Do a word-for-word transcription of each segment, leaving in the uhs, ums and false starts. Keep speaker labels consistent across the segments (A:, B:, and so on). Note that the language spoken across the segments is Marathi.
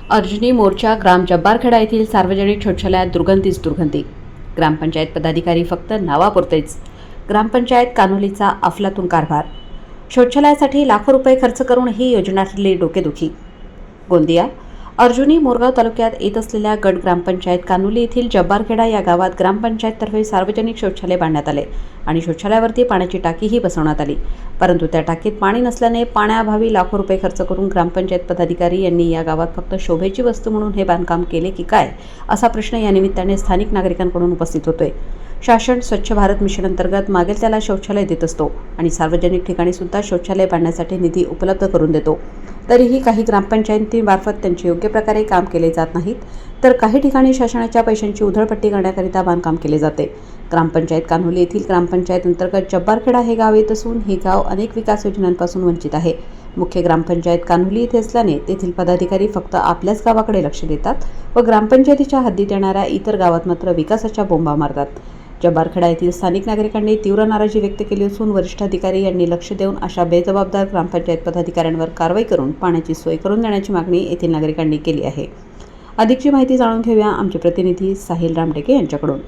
A: अर्जुनी मोर्चा ग्राम जब्बारखेडा येथील सार्वजनिक शौचालयात दुर्गंधीच दुर्गंधी. ग्रामपंचायत पदाधिकारी फक्त नावापुरतेच. ग्रामपंचायत कानोलीचा अफलातून कारभार. शौचालयासाठी लाखो रुपये खर्च करून ही योजना ठरली डोकेदुखी. गोंदिया अर्जुनी मोरगाव तालुक्यात येत असलेल्या गट ग्रामपंचायत कानोली येथील जब्बारखेडा या गावात ग्रामपंचायततर्फे सार्वजनिक शौचालय बांधण्यात आले आणि शौचालयावरती पाण्याची टाकीही बसवण्यात आली. परंतु त्या टाकीत पाणी नसल्याने पाण्याअभावी लाखो रुपये खर्च करून ग्रामपंचायत पदाधिकारी यांनी या गावात फक्त शोभेची वस्तू म्हणून हे बांधकाम केले की काय, असा प्रश्न या निमित्ताने स्थानिक नागरिकांकडून उपस्थित होतोय. शासन स्वच्छ भारत मिशन अंतर्गत मागेल त्याला शौचालय देत असतो आणि सार्वजनिक ठिकाणी सुद्धा शौचालय बांधण्यासाठी निधी उपलब्ध करून देतो. तरीही काही ग्रामपंचायतीमार्फत त्यांचे योग्य प्रकारे काम केले जात नाहीत, तर काही ठिकाणी शासनाच्या पैशांची उधळपट्टी करण्याकरिता बांधकाम केले जाते. ग्रामपंचायत कान्होली येथील ग्रामपंचायत अंतर्गत जब्बारखेडा हे गाव येत असून हे गाव अनेक विकास योजनांपासून वंचित आहे. मुख्य ग्रामपंचायत कान्होली येथे असल्याने तेथील पदाधिकारी फक्त आपल्याच गावाकडे लक्ष देतात व ग्रामपंचायतीच्या हद्दीत येणाऱ्या इतर गावात मात्र विकासाच्या बोंबा मारतात. जब्बारखेडा येथील स्थानिक नागरिकांनी तीव्र नाराजी व्यक्त केली असून वरिष्ठ अधिकारी यांनी लक्ष देऊन अशा बेजबाबदार ग्रामपंचायत पदाधिकाऱ्यांवर कारवाई करून पाण्याची सोय करून देण्याची मागणी येथील नागरिकांनी केली आहे. अधिकची माहिती जाणून घेऊया आमचे प्रतिनिधी साहिल रामटेके यांच्याकडून.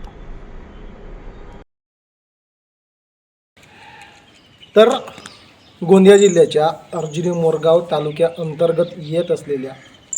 B: तर गोंदिया जिल्ह्याच्या अर्जुनी मोरगाव तालुक्या अंतर्गत येत असलेल्या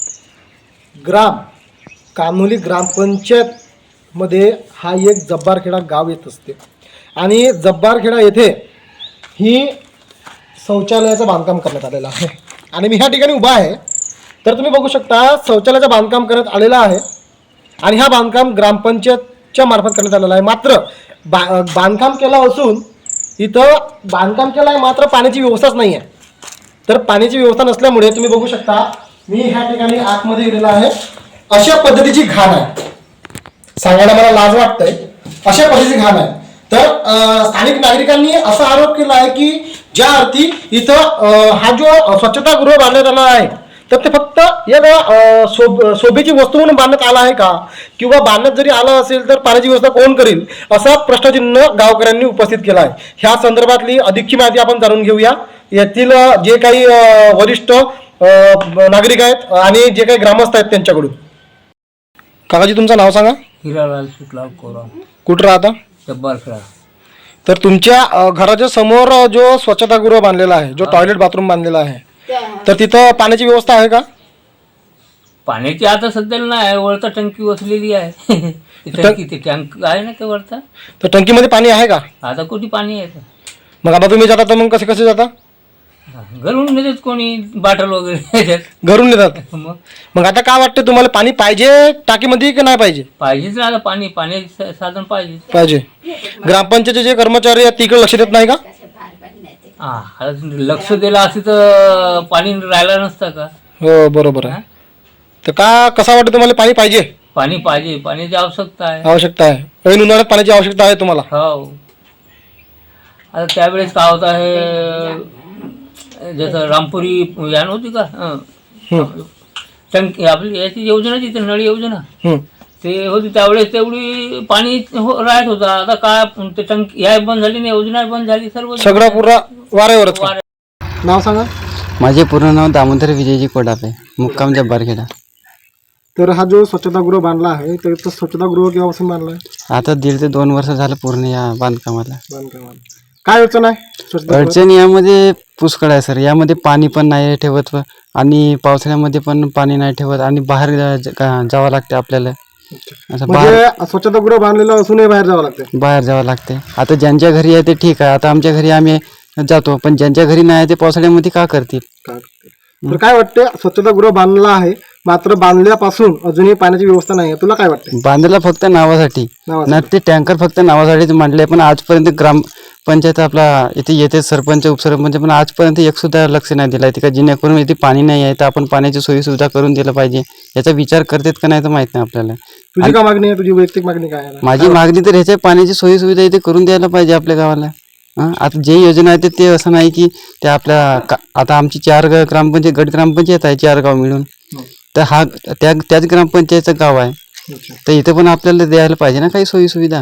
B: ग्राम कान्होली ग्रामपंचायत मध्ये हा एक जब्बारखेडा गाव येत असते आणि जब्बारखेडा येथे ही शौचालयाचं बांधकाम करण्यात आलेलं आहे आणि मी ह्या ठिकाणी उभा आहे. तर तुम्ही बघू शकता शौचालयाचं बांधकाम करण्यात आलेलं आहे आणि हा बांधकाम ग्रामपंचायतच्या मार्फत करण्यात आलेला आहे. मात्र बा बांधकाम केलं असून इथं बांधकाम केलं आहे मात्र पाण्याची व्यवस्थाच नाही आहे. तर पाण्याची व्यवस्था नसल्यामुळे तुम्ही बघू शकता मी ह्या ठिकाणी आतमध्ये गेलेला आहे. अशा पद्धतीची घाण आहे, सांगायला मला लाज वाटतंय, अशा पद्धतीची घाण आहे. तर स्थानिक नागरिकांनी असा आरोप केला आहे की ज्या अर्थी इथं हा जो स्वच्छतागृह बांधण्यात आला आहे तर ते फक्त या शोभ शोभेची वस्तू म्हणून बांधण्यात आला आहे का, किंवा बांधण्यात जरी आलं असेल तर पाण्याची व्यवस्था कोण करेल, असा प्रश्नचिन्ह गावकऱ्यांनी उपस्थित केला आहे. ह्या संदर्भातली अधिकची माहिती आपण जाणून घेऊया. येथील जे काही वरिष्ठ नागरिक आहेत आणि जे काही ग्रामस्थ आहेत त्यांच्याकडून. काकाजी तुमचं नाव सांगा.
C: हिरालाल सुटला कोरा.
B: कुठं राहता?
C: जब्बारखेडा.
B: तर तुमच्या घराच्या समोर जो स्वच्छतागृह बांधलेला आहे, जो टॉयलेट बाथरूम बांधलेला आहे, तर तिथं पाण्याची व्यवस्था आहे का?
C: पाण्याची आता सध्याला नाही, वरता टंकी वसलेली आहे. टंकी ते टँक आहे ना ते वरता.
B: तर टंकीमध्ये पाणी आहे का?
C: आता कुठे पाणी आहे?
B: मग आता तुम्ही जाता तर मग कसे कसे जाता?
C: घरून नेतात कोणी बाटल वगैरे
B: घरून नेतात.
C: मग
B: मग आता काय वाटतं तुम्हाला, पाणी पाहिजे टाकीमध्ये की नाही पाहिजे?
C: पाहिजेच ना, आता पाणी पाण्याचे साधन पाहिजे
B: पाहिजे. ग्रामपंचायतचे जे कर्मचारी आहेत तिकडे लक्ष देत नाही का?
C: हा, लक्ष दिलं असं तर पाणी राहिलं नसतं का?
B: हो बरोबर आहे. तर का कसा वाटतं तुम्हाला, पाणी पाहिजे?
C: पाणी पाहिजे, पाण्याची आवश्यकता आहे.
B: आवश्यकता आहे. ऐन उन्हाळ्यात पाण्याची आवश्यकता आहे तुम्हाला?
C: हो. आता त्यावेळेस काय होत आहे, जसं रामपुरी यान होती का टंकी आपली याची योजना जी नळी योजना ते होती, त्यावेळेस तेवढी पाणी हो राहत होतं. आता काय ते टंकी या बंद झाली, योजना बंद झाली, सर्व
B: सगळं पुरा वाऱ्यावरच. नाव सांगा.
D: माझे पूर्ण नाव दामोदर विजयजी कोडापे, मुक्काम जब्बारखेडा.
B: तर हा जो स्वच्छतागृह बांधला आहे तर तो स्वच्छतागृह केव्हापासून बांधला आहे?
D: आता दीड ते दोन वर्ष झालं पूर्ण या बांधकामाला.
B: बांधकामाला काय अडचण आहे?
D: अडचण यामध्ये पुष्कळ आहे सर. यामध्ये पाणी पण नाही ठेवत आणि पावसाळ्यामध्ये पण पाणी नाही ठेवत आणि बाहेर जावं लागते आपल्याला. असं बाहेर
B: स्वच्छतागृह बांधलेलं असूनही बाहेर जावं लागते.
D: बाहेर जावं लागते. आता ज्यांच्या घरी आहे ते ठीक आहे, आता आमच्या घरी आम्ही जातो, पण ज्यांच्या घरी नाही ते पावसाळ्यामध्ये का करतील?
B: तर काय वाटते, स्वच्छतागृह बांधला आहे मात्र बांधल्यापासून अजूनही पाण्याची व्यवस्था नाही आहे, तुला काय वाटतं?
D: बांधला फक्त नावासाठी ना, ते टँकर फक्त नावासाठीच मांडले, पण आजपर्यंत ग्रामपंचायत आपला इथे येते सरपंच उपसरपंच पण आजपर्यंत एक सुद्धा लक्ष नाही दिला का, जेणेकरून इथे पाणी नाही आहे तर आपण पाण्याची सोयी सुविधा करून दिलं पाहिजे. याचा विचार करतात का नाही तर माहित नाही आपल्याला.
B: तुझी काय मागणी आहे? तुझी वैयक्तिक मागणी काय आहे?
D: माझी मागणी तर ह्याच्या पाण्याची सोयी सुविधा इथे करून द्यायला पाहिजे आपल्या गावाला. हां, आता जे योजना आहे ते असं नाही की ते आपल्या आता आमची चार ग्रामपंचायत गट ग्रामपंचायत आहे, चार गाव मिळून. तर हा त्या त्याच ग्रामपंचायतचं गाव आहे, तर इथे पण आपल्याला द्यायला पाहिजे ना काही सोयी सुविधा.